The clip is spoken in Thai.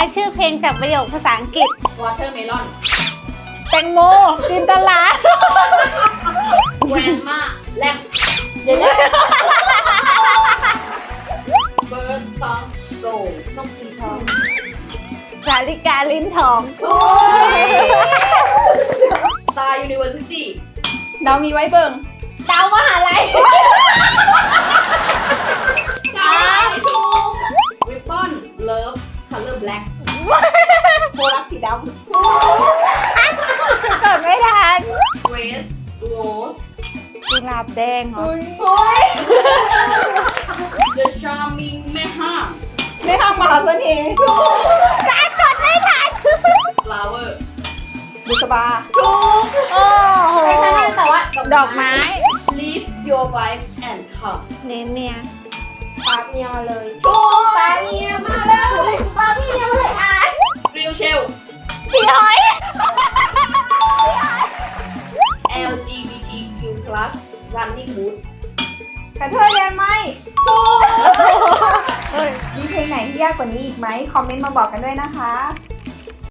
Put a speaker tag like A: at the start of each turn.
A: ายชื่อเพลงจากประโยคภาษาอังกฤษ
B: watermelon
A: แตงโมจินตลา
B: grandma แลม
C: เดี๋ยว
B: bird song go นกสีทอง
A: สาลิกาลิ้นทอง
B: star university
C: เรามีไว้เบิ่ง
A: ดาวมหาลัย
B: ถูก ribbon love color black
A: โบรักสีดำเกิดไม่ทัน
B: grace rose
A: กุหลาบแดงเหรอ
B: the charming แม่ห้าง
C: ไม่ห้ามมหาเสน่ห์
A: การกดไม่ทัน
B: flower
C: บุษบา
B: ถูก
A: โอ้โห
B: ไม่ใช่แต่ว่า
A: ดอกไม้
B: live your wife and come
A: เนมเนีย
C: ปากเมียมาเลย
B: ถูก
C: ปากเมียมาแล้วปากเมียมาเลยอ่ะ
B: real shell
A: พี่หอย
B: LGBTQ+ running boot
C: กระเทยแดนไหมมีเพลงไหนที่ยากกว่านี้อีกไหม คอมเมนต์มาบอกกันด้วยนะคะ